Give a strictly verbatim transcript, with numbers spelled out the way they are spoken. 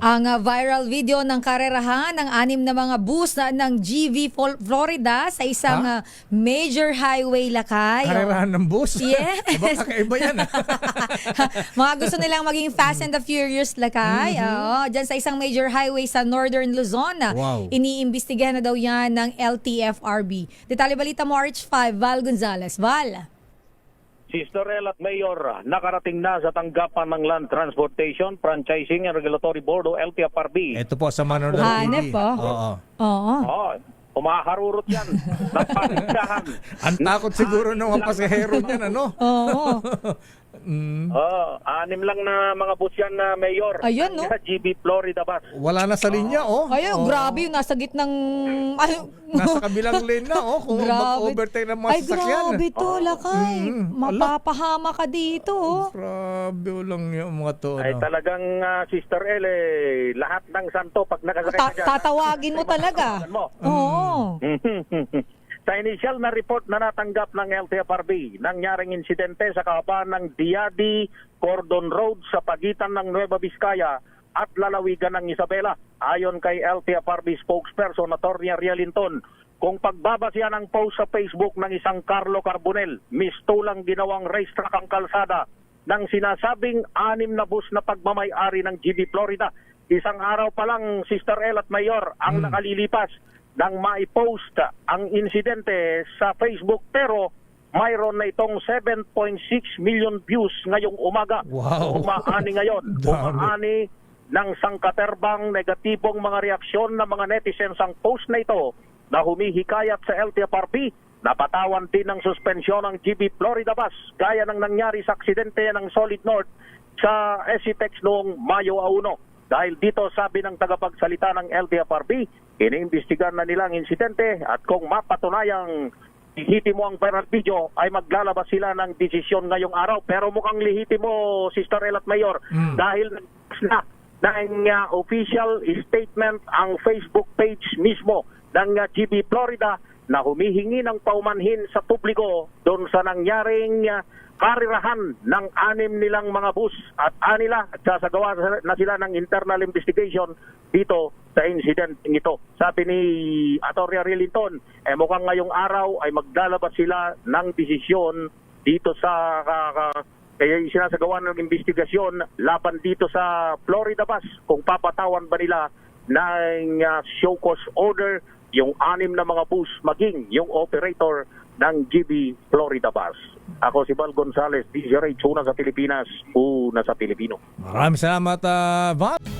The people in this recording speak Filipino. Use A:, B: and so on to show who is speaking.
A: ang uh, viral video ng karerahan ng anim na mga bus na, ng G V Fol- Florida sa isang uh, major highway lakay.
B: Karerahan ng bus?
A: Yes.
B: Aba, kakaiba yan. ah.
A: Mga gusto nilang maging Fast and the Furious lakay.
B: Mhm.
A: Oo, dyan sa isang major highway sa Northern Luzon.
B: Wow.
A: Iniimbestigahan na daw yan ng L T F R B. Detalye balita mo, R H five, Val Gonzalez. Val.
C: Sister El at Mayor, nakarating na sa tanggapan ng Land Transportation, Franchising and Regulatory Board o L T F R B.
B: Ito po sa Manor ng
A: Hanep po.
B: Oo.
A: Oo.
C: Oh, umaharurot yan. Napaligsahan.
B: Ang takot siguro ng mga pasahero niyan, ano?
A: Oo.
B: Mm,
C: Oh, anim lang na mga bus yan na Mayor.
A: Ayun, no?
C: Sa G B Florida bus.
B: wala na sa linya, oh.
A: Ay,
B: Oo.
A: grabe yung nasa gitnang... Ay,
B: Nasa kabilang lane na, oh. Kung
A: Grabe.
B: mag-overtake ng mga
A: Ay,
B: sasakyan.
A: grabe to, lakay.
B: Mm,
A: Mapapahama ka dito, oh.
B: Grabe lang yung mga to,
C: Ay
B: ano.
C: talagang ah, Sister El, eh, lahat ng santo pag nakasakay
A: Ta-
C: ka dyan.
A: tatawagin mo talaga.
C: mo.
A: Oo.
C: Sa initial na report na natanggap ng L T F R B, nangyaring insidente sa kahabaan ng Diadi Cordon Road sa pagitan ng Nueva Vizcaya at lalawigan ng Isabela. Ayon kay L T F R B spokesperson Atty. Rialinton, kung pagbabasihan ng post sa Facebook ng isang Carlo Carbonel, mistulang ginawang racetrack ang kalsada ng sinasabing anim na bus na pagmamay-ari ng G B Florida. Isang araw pa lang, Sister El at Mayor, ang
B: Hmm.
C: nakalilipas nang maipost ang insidente sa Facebook, pero mayroon na itong seven point six million views ngayong umaga.
B: Wow.
C: Umaani ngayon.
B: Dami.
C: Umaani ng sangkaterbang negatibong mga reaksyon ng mga netizens ang post na ito na humihikayat sa L T F R B. Napatawan din ng suspensyon ng G B Florida bus gaya ng nangyari sa aksidente ng Solid North sa S C T E X noong Mayo uno. Dahil dito, sabi ng tagapagsalita ng L T F R B, iniimbestigan na nila ang insidente at kung mapatunayang lihitimo ang viral video ay maglalabas sila ng desisyon ngayong araw. Pero mukhang lihitimo, Sister El at Mayor,
B: Mm.
C: dahil na ng uh, official statement ang Facebook page mismo ng uh, G B Florida na humihingi ng paumanhin sa publiko doon sa nangyaring uh, karirahan ng anim nilang mga bus at anila at sasagawa na sila ng internal investigation dito sa incident ito. Sabi ni Atty. Rialinton, eh mukhang ngayong araw ay maglalabas sila ng desisyon dito sa uh, uh, kaya sinasagawa ng investigasyon laban dito sa Florida bus kung papatawan ba nila ng uh, show cause order yung anim na mga bus maging yung operator ng G B Florida bus. Ako si Val Gonzalez, D J Ray, una sa Pilipinas, una sa Pilipino.
B: Maraming salamat, uh, Val.